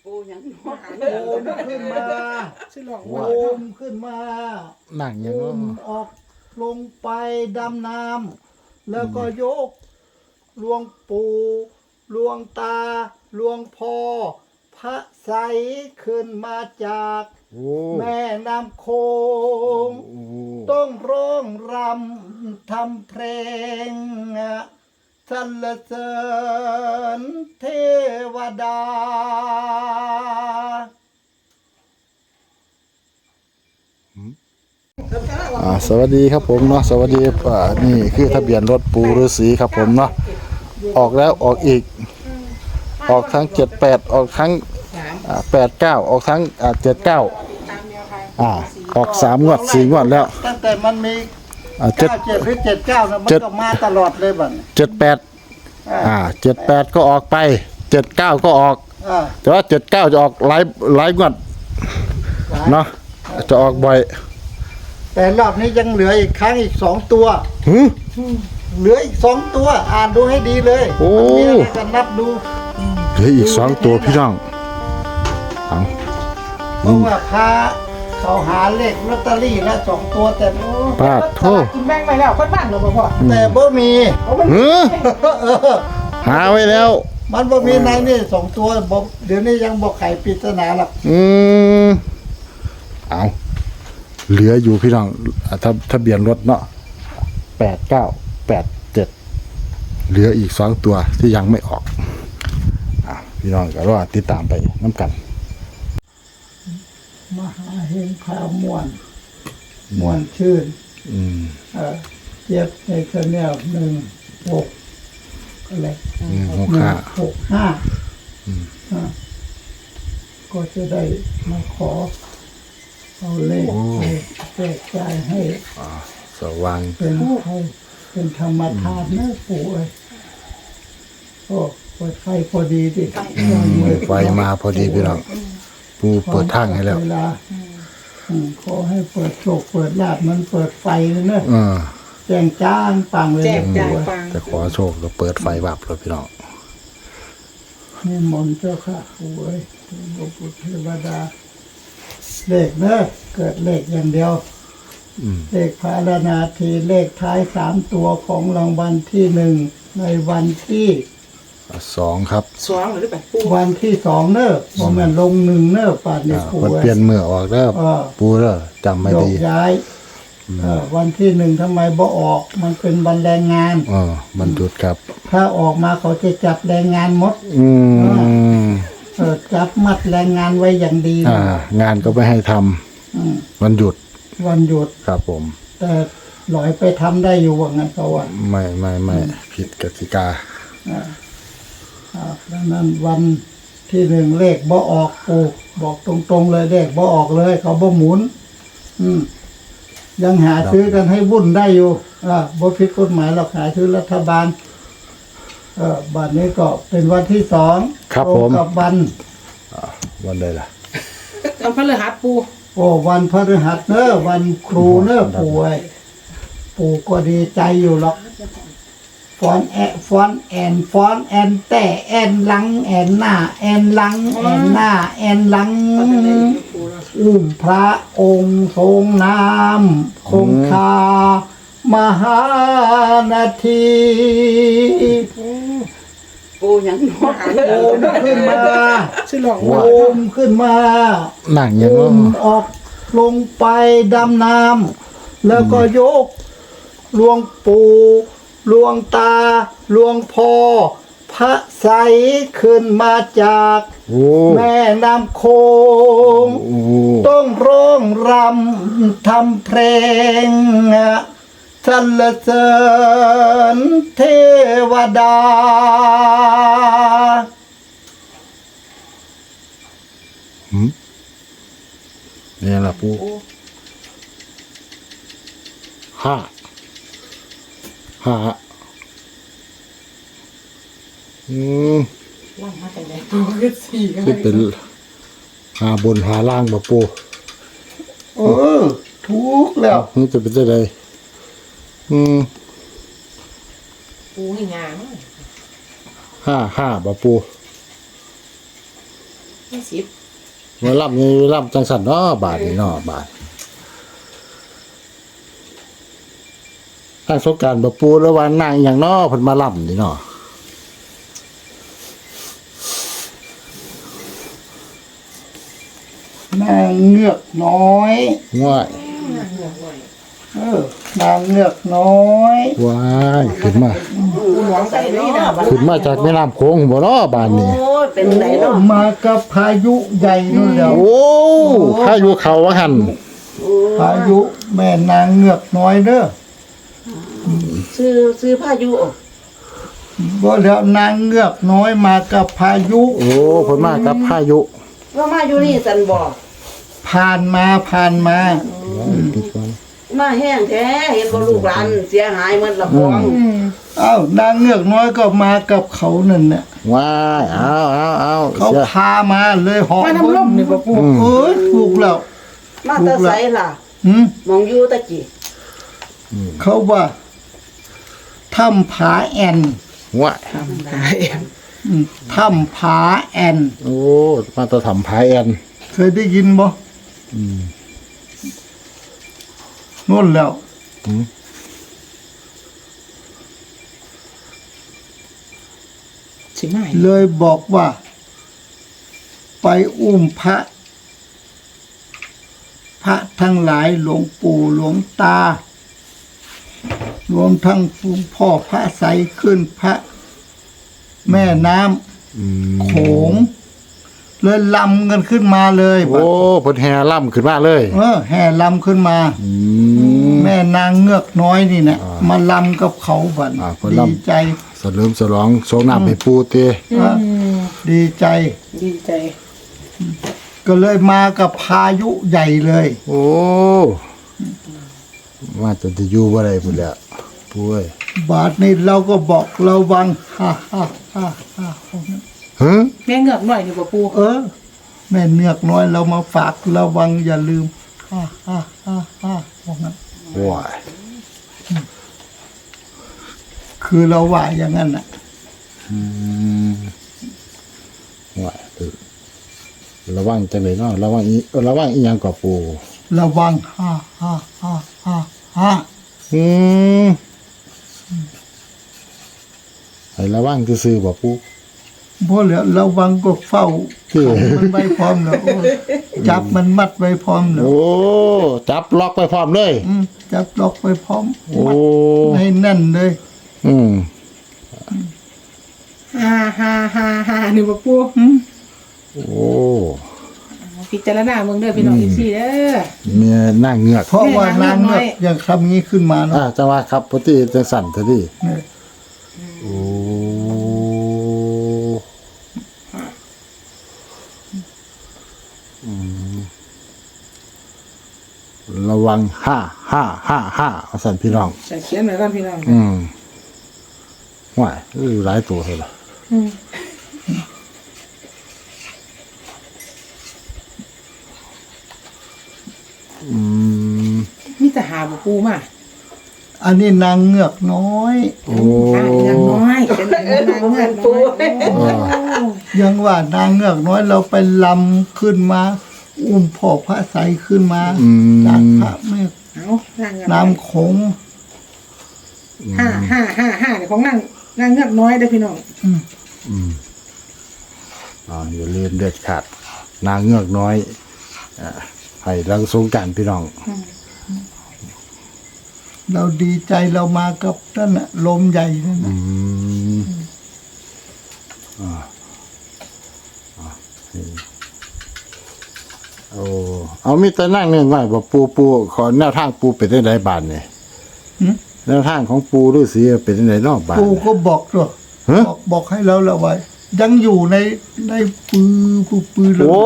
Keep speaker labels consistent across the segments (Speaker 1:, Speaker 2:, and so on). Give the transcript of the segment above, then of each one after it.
Speaker 1: ปูยังโอ
Speaker 2: มขึ้นมาโอมขึ้นมา
Speaker 3: หนังยัง
Speaker 2: โอมออกลงไปดำน้ำแล้วก็ยกหลวงปู่หลวงตาหลวงพ่อพระใสขึ้นมาจากแม่น้ำโขงต้องร้องรำทำเพลงสรรเสริญเทวดา
Speaker 3: สวัสดีครับผมเนาะสวัสดีนี่คือทะเบียนรถปูฤาษีครับผมเนาะออกแล้วออกอีกออกทั้ง78ออกทั้ง89ออกทั้ง79ออก3งวด4งวดแล้ว
Speaker 2: ตั้งแต่มันมี97หรือ79นะมันก็มาตลอดเลยบัด
Speaker 3: 78 78ก็ออกไป79ก็ออกแต่ว่า79จะออกหลายงวดเนาะจะออกบ่อย
Speaker 2: แต่รอบนี้ยังเหลืออีกครั้งอีก2ตัวเหลืออีก2ตัวอ่านดูให้ดีเลยมันมีอะไรกันนับดู
Speaker 3: เหลืออีก2ตัวพี่น้อง
Speaker 2: เพราะว่าพาเขาหาเลขลอตเตอรี่ละ2ตัวแต่
Speaker 3: ป้าโทษ
Speaker 1: กินแบ่งไปแล้วคนบ้านเราบ่พอ
Speaker 2: แต่บ่มี
Speaker 3: หาไว้แล้ว
Speaker 2: มันบ่มีในนี่2ตัวบ่เดี๋ยวนี้ยังบ่ไขปริศนาหรอก
Speaker 3: เอาเหลืออยู่พี่น้องทะเบียนรถเนาะ8987เหลืออีก2ตัวที่ยังไม่ออกพี่น้องก็รอติดตามไปน้ำกัน
Speaker 2: มหาเฮงข่าวม่วนชื่นเจ็บในกระเนียว16อะไร165ก็จะได้มาขอเอาเลขแจกจ่ายให้
Speaker 3: สว่าง
Speaker 2: เป็นธรรมทานนะปู่เอ้ยโอ้เปิดไฟพอดีดิ
Speaker 3: ไฟมาพอดีพี่น้องปู่เปิดทางให้แล้ว
Speaker 2: ขอให้เปิดโชคเปิดลาภมันเปิดไฟเลยเนอะแจ้งจ้างปังเลย
Speaker 3: จะขอโชคก็เปิดไฟวับเลยพี่น้อง
Speaker 2: นี่มนต์เจ้าค่ะปู่เอ้ยพระพุทธเทวดาเลขเนอะเกิดเลขอย่างเดียวเลขพารนาทีเลขท้าย3ตัวของรางวัลที่1ในวันที่
Speaker 3: 2ครับ
Speaker 1: 2หรือแบบปู
Speaker 2: วันที่2เนอะบ่แม่นลง1เนอะป่านนี้
Speaker 3: ปู่เปลี่ยนมือออกแล้วปู่เด้อจำไม่ดี
Speaker 2: ย้ายวันที่1ทำไมบ่ออกมันเป็นวันแรงงาน
Speaker 3: มันหยุดครับ
Speaker 2: ถ้าออกมาเขาจะจับแรงงานหมดจับมัดแรงงานไว้อย่างดี
Speaker 3: งานก็ไม่ให้ทำวันหยุดครับผม
Speaker 2: แต่หลอยไปทำได้อยู่ว่างั้นเขาว่า
Speaker 3: ไม่ผิดกติกา
Speaker 2: ดังนั้นวันที่1เลขบ่ออกปู่บอกตรงๆเลยเลขบ่ออกเลยเขาบ่หมุนยังหาซื้อกันให้วุ่นได้อยู่บ่ผิดกฎหมายหรอกหาซื้อรัฐบาลบัดนี้ก็เป็นวันที่2
Speaker 3: ครับผม
Speaker 2: กับ
Speaker 3: วันใดล่ะ
Speaker 1: วันพฤหัสปู
Speaker 2: วันพฤหัสเนอะวันครูเนอะปู่ก็ดีใจอยู่หรอกฟอนแต่แอนหลังแอนหน้าแอนหลังแอนหน้าแอนหลังพระองค์ทรงนามคงคามหานาที
Speaker 1: ปูยังโอ
Speaker 2: มขึ้นมาโอมขึ้นมา
Speaker 3: หนังยัง
Speaker 2: ออกลงไปดำน้ำแล้วก็ยกหลวงปู่หลวงตาหลวงพ่อพระใสขึ้นมาจากแม่น้ำโขงต้องร้องรำทำเพลงสรรเสริญเทวดา
Speaker 3: เนี่ยล่ะปู่ห้า
Speaker 1: ล่างมาแต่ไหนปูก็4
Speaker 3: ก็เป็นหาบนหาล่างบ่ปู่
Speaker 2: ถูกแล้ว
Speaker 3: นี่จะเป็นได้ได
Speaker 1: ปูให้งาม
Speaker 3: 5บ่ปู่
Speaker 1: 10
Speaker 3: มาล่ำนี่ล่ำจังสันเนาะบาทนี่เนาะบาททางสงกรารบ่ปูแล้วว่านางอหย่างเนาะเพิ่นมาล่ำนี่เนาะ
Speaker 2: นางเงือกน้อย
Speaker 3: ว้าย
Speaker 2: นางเงือกน้อย
Speaker 3: ว้ายขึ้นมา
Speaker 1: ปูหลวงใส่นี่นะบัด
Speaker 3: ขึ้นมาจากแม่น้ำโขงบ่เนาะบาทนี่
Speaker 1: โอ้ยเป็นไหนเนาะ
Speaker 2: มากับพายุใหญ่นู่นแล้ว
Speaker 3: โอ้พายุเข้าว่าหั่น
Speaker 2: พายุแม่นางเงือกน้อยเด้อ
Speaker 1: ซื้อพายุ
Speaker 2: บ่แล้วนางเงือกน้อยมากับพายุ
Speaker 3: โอ้เพิ่นมากับพายุ
Speaker 1: ว่ามาอยู่นี่สันบอก
Speaker 2: ผ่านมา
Speaker 3: ติดก่อน
Speaker 1: มาแห้งแท้เห็นบ่ลูกหลานเสียหายหมันละพอง
Speaker 2: เอ้านางเงือกน้อยก็มากับเขานั่นน่ะ
Speaker 3: ว้ายเอา
Speaker 2: เขา
Speaker 3: เสีย
Speaker 2: พามาเลยเหาะ
Speaker 1: มาน้ำลมนี่บ่ปู
Speaker 2: เอ้ยถูกแล้ว
Speaker 1: มาแตะไสล่ะ
Speaker 2: หืม
Speaker 1: มองอยู่ตะกี้
Speaker 2: เขาว่าถ้ำผาแอน
Speaker 3: ว้าย
Speaker 2: ถ้ำผาแอน
Speaker 3: โอ้มาตะทำพายแอน
Speaker 2: เคยได้ยินบ่นู่นแล้ว
Speaker 1: สิมา
Speaker 2: เลยบอกว่า ไปอุ้มพระทั้งหลายหลวงปู่หลวงตา รวมทั้งหลวงพ่อพระใสขึ้นพระแม่น้ำโขงเลยลำกันขึ้นมาเลย
Speaker 3: โอ้เพิ่นแห่ล่ำขึ้นมาเลย
Speaker 2: แห่ลำขึ้นมา
Speaker 3: ม
Speaker 2: แม่นางเงือกน้อยนี่นะมาลำกับเขาบัน
Speaker 3: เพิ่น
Speaker 2: ดี
Speaker 3: ลำ
Speaker 2: ใจ
Speaker 3: สลืมสลองโชงน้ำให้ปูเต
Speaker 2: ดีใจ
Speaker 1: ดีใจ
Speaker 2: ก็เลยมากับพายุใหญ่เลย
Speaker 3: โอ้ว่าจะอยู่บ่ได้พุ่นแหล้วปูเอ้ย
Speaker 2: บาทนี้เราก็บอกระวังฮ่าฮ่าฮ่าฮ่า
Speaker 3: ฮะ
Speaker 1: แม่เงือกหน่อยนี่บ่ปู
Speaker 2: แม่เนือกน้อยเรามาฝากระวังอย่าลืมฮ่าฮ่าฮ่าฮ่าบอกงั้น
Speaker 3: ว้าย
Speaker 2: คือเราว่าอย่างนั้นน่ะ
Speaker 3: ว้ายระวังจังเลยเนาะระวังอีหยังกับปู
Speaker 2: ระวังฮ่าฮ่าฮ่าฮ่าฮ่า
Speaker 3: อืมให้ระวังซื่อๆบ่ปู
Speaker 2: เพราะเหลือระวังก็เฝ้า
Speaker 3: ที่
Speaker 2: มันไว้พร้อมแล้วจับมันมัดไว้พร้อมแล้ว
Speaker 3: โอ้จับล็อกไปพร้อมเลย
Speaker 2: จับล็อกไว้พร้อม
Speaker 3: โอ้
Speaker 2: มัดให้แน่นเลย
Speaker 3: อืม
Speaker 1: ฮ่านี่บ่ปู
Speaker 3: โอ้
Speaker 1: พิจารณาเมืองเด้อพี่น้องอีซี่เด้อ
Speaker 3: เมียนั่งเงือก
Speaker 2: เพราะว่านางเงือกยังทำงี้ขึ้นมาเนาะ
Speaker 3: จังว่าครับพอดีจังสั่นเถอะดิ
Speaker 2: เนี่ย
Speaker 3: โอ้ระวังห้าเอาสั่นพี่น้อง
Speaker 1: จะเขียนไว้ก่อนพี่น้อง
Speaker 3: ว่ายหลายตัวเลยล่ะ
Speaker 1: มีแต่หาบ่ปูมา
Speaker 2: อันนี้นางเงือกน้อย
Speaker 3: โอ้
Speaker 1: อย่างน้อยเป็นนางเงือกปู
Speaker 2: ยังว่านางเงือกน้อยเราไปลำขึ้นมา อุ้มพ่อพระใสขึ้นมาจากพระแม่
Speaker 1: เอานางเงือก
Speaker 2: น้ำโขง
Speaker 1: ฮ่าเดี๋ยวของนางเงือกน้อยเด้อพี่น้อง
Speaker 3: อย่าลืมเด็ดขาดนางเงือกน้อยให้รังสงกรานต์พี่น้อง
Speaker 2: เราดีใจเรามากับนั่นน่ะลมใหญ่นั่นน่ะ
Speaker 3: โอ้เอามีแต่นั่งเนี่ยว่าบอกปูขอแนวทางปูเป็นได้ไหนบานเนี่ยแนวทางของปูฤาษีเป็นได้ไหนนอกบาน
Speaker 2: ปู่ก็บอกด้วย
Speaker 3: ฮะ
Speaker 2: บอกให้เราละไว้ ยังอยู่ในปืน
Speaker 3: โอ้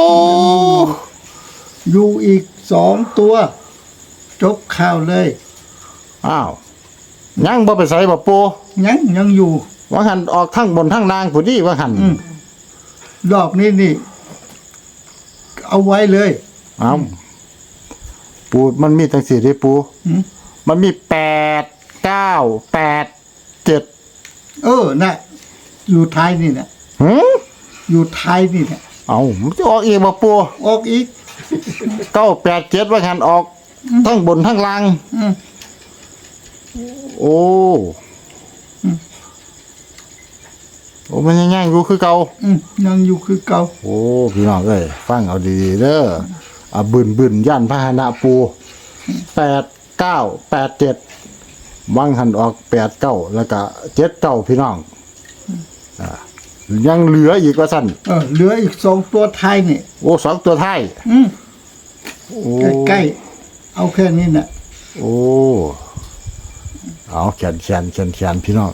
Speaker 2: อยู่อีก2 ตัว จบข่าวเลย
Speaker 3: อ้าวยังบ่ไปใส่บ่ปู
Speaker 2: ยังอยู่
Speaker 3: ว่าหันออกทั้งบนทั้งล่างผู้ดีว่าหัน
Speaker 2: รอบนี้นี่ เอาไว้เลย
Speaker 3: อ้าวปูมันมีตั้งสี่ที่ปู มันมี8 9 8 7
Speaker 2: น่ะ อยู่ท้ายนี่นะ
Speaker 3: หืม
Speaker 2: อยู่ท้ายนี่นะ
Speaker 3: เอามันจะออกอีกบ่ปู
Speaker 2: ออกอีก
Speaker 3: 987ว่าหันออกทั้งบนทั้งล่าง
Speaker 2: อืม
Speaker 3: โอ้โอ้มันยังย่างอยู่คือเก่า
Speaker 2: ยังอยู่คือเก่า
Speaker 3: โอ้พี่น้องเอ้ยฟังเอาดีๆเด้อบึนย่านพาหนะปู8987วังหันออก89แล้วก็79พี่น้องยังเหลืออีกว่าซั่น
Speaker 2: เหลืออีก2ตัวท้ายนี่
Speaker 3: โอ้สองตัวท้าย โอ้
Speaker 2: ใกล้ๆเอาแค่นี้น่ะ
Speaker 3: โอ้เอาแขนพี่น้อง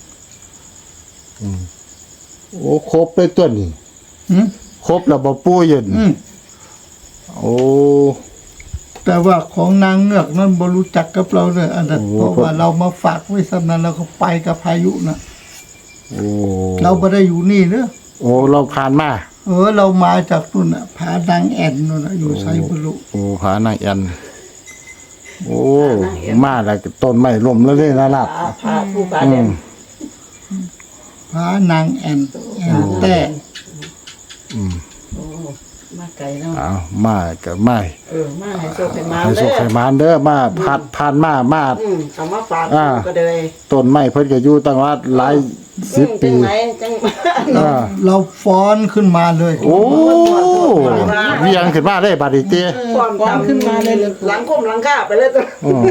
Speaker 3: โอ้ครบเลยตัวนี้
Speaker 2: หืม
Speaker 3: ครบแล้วบ่ปูเย็นโอ้
Speaker 2: แต่ว่าของนางเงือกนั้นบ่รู้จักกับเราเลยอันนั้น
Speaker 3: โอ้
Speaker 2: เพราะว่าเรามาฝากไว้สำนั้นแล้วก็ไปกับพายุน่ะ
Speaker 3: โอ้
Speaker 2: เราบ่ได้อยู่นี่เด้อ
Speaker 3: โอ้เราผ่านมา
Speaker 2: เรามาจากนู่นน่ะผานางแอ่นนู่นน่ะอยู่ไสบ่รู้
Speaker 3: โอ้ผานางแอนโอ้มาแล้วก็ต้นไม้ล้มแล้วเลยนะล่ะ
Speaker 1: พาผู้พาเด่น
Speaker 2: ผานางแอ่นแต่
Speaker 1: โอ้มาไกลเนาะ
Speaker 3: เอามาก็มา
Speaker 1: มาให้โชคให้มา
Speaker 3: ให้สุขให้หมานเด้อมาผ่านมา
Speaker 1: เอามาฝาก
Speaker 3: อ่า
Speaker 1: ก็เลย
Speaker 3: ต้นไม้เพิ่นก็อยู่ตั้งว่าหลาย10 ปี
Speaker 1: จังไหนจัง
Speaker 2: เราฟ้อนขึ้นมาเลย
Speaker 3: โอ้เวียงขึ้นมาได้บัดนี้เต้
Speaker 1: ก่อนขึ้นมาเลยหลังคมหลังคาไปเลยตัว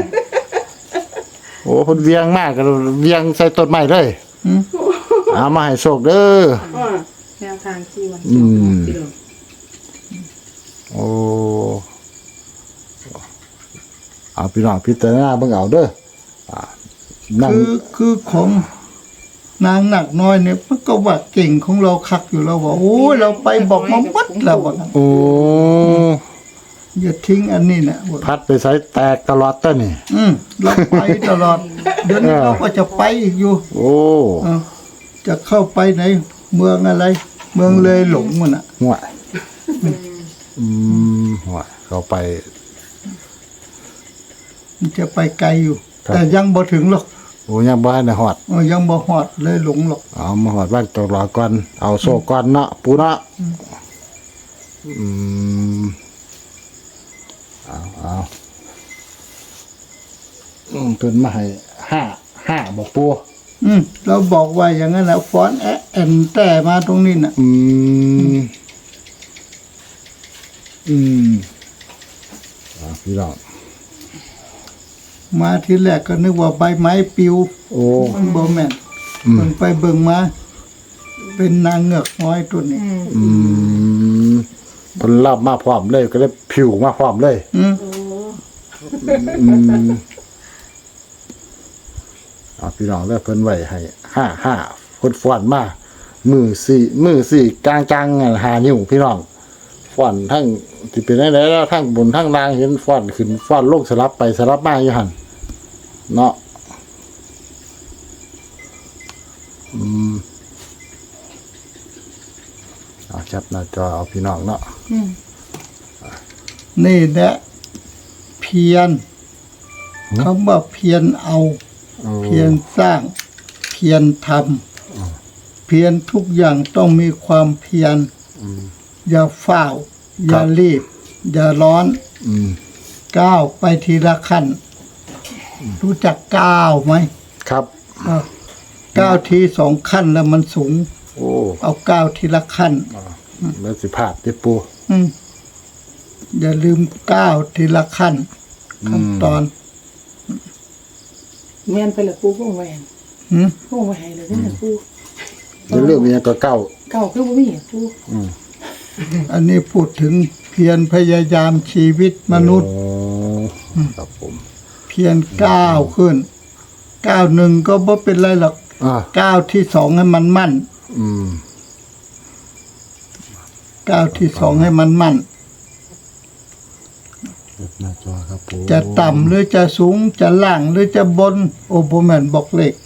Speaker 3: โอ้เพิ่นเวียงมากก็เวียงใส่ต้นไม้เลยเอามาให้โชคเด้อ
Speaker 1: แนวทางที่วัน
Speaker 3: โอ้เอาพี่น้องพิจารณาเบิ่งเอาเด้อนั่ง
Speaker 2: คือของนางหนักน้อยเนี่ยมันก็ว่าเก่งของเราคักอยู่แล้วว่าโอ้ยเราไปบอกมาหมดแล้วว่างั้น
Speaker 3: โอ้
Speaker 2: อย่าทิ้งอันนี้นะว่า
Speaker 3: พัดไปใส่แตกตลอดต้นนี่
Speaker 2: เราไปตลอด เดี๋ยวนี้เราก็จะไปอีกอยู่
Speaker 3: โอ้
Speaker 2: จะเข้าไปไหน เมืองอะไร เมืองเลยหลงมันอ่ะ
Speaker 3: ห่วยห่วยเข้าไป
Speaker 2: มันจะไปไกลอยู่
Speaker 3: ครับ
Speaker 2: แต่ยังบ่ถึงหรอก
Speaker 3: โอ้ยังบ่ทันได้ฮอด
Speaker 2: ยังบ่ฮอดเลยหลงหรอก
Speaker 3: เอามาฮอดบ้านตลอดก่อนเอาโซ่ก่อนเนาะปูเนาะเอาเพิ่นมาให้5บอกปู
Speaker 2: เราบอกว่าอย่างนั้นแหละฟ้อนแอนแต่มาตรงนี้น่ะ
Speaker 3: พี่น้อง
Speaker 2: มาทีแรกก็นึกว่าใบไม้ปลิว
Speaker 3: โอ้
Speaker 2: มันบ่แม่นเบิ่งไปเบิ่งมา เป็นนางเงือกน้อยตัวนี้
Speaker 3: เพิ่นรับมาพร้อมเลยก็เลยผิวมาพร้อมเลยพี่น้องแล้วเพิ่นไว้ให้5เพิ่นฟ้อนมามือสี่กลาง5 นิ้วพี่น้องฟ้อนทั้งที่เป็นได้แล้วทั้งบนทั้งล่างเห็นฟ้อนขึ้นฟ้อนลงสลับไปสลับมาอยู่หั่นเนาะเอาจับหน้าจอเอาพี่น้องเนาะ
Speaker 2: นี่แหละเพียรคำว่าเพียรเอา เพียรสร้าง เพียรทำเพียรทุกอย่างต้องมีความเพียรอย่าฝ้าวอย่ารีบ อย่าร้อนก้าวไปทีละขั้นรู้จักก้าวไหม
Speaker 3: ครับ
Speaker 2: ก้าวที2 ขั้นแล้วมันสูง
Speaker 3: โอ้
Speaker 2: เอาก้าวทีละขั้น
Speaker 3: แล้วสิพลาดติปู
Speaker 2: อย่าลืมก้าวทีละขั้นขั้นตอน
Speaker 4: แม่นไปละปูพวกแหวน
Speaker 2: หืม
Speaker 4: พวกแหวนเลยนะปู
Speaker 3: จะเรื่องมีก็เก้า
Speaker 4: เก่าคือบ่มีปู
Speaker 2: อันนี้พูดถึงเพียรพยายามชีวิตมนุษย์
Speaker 3: ครับผม
Speaker 2: เพียรก้าวขึ้นก้าวหนึ่งก็บ่เป็นไรหรอกก้าวที่2ให้มันมั่นก้าวที่2ให้มันมั่น
Speaker 3: หน้าจอครับผม
Speaker 2: จะต่ำหรือจะสูงจะล่างหรือจะบน โอโบแมนบอกเลข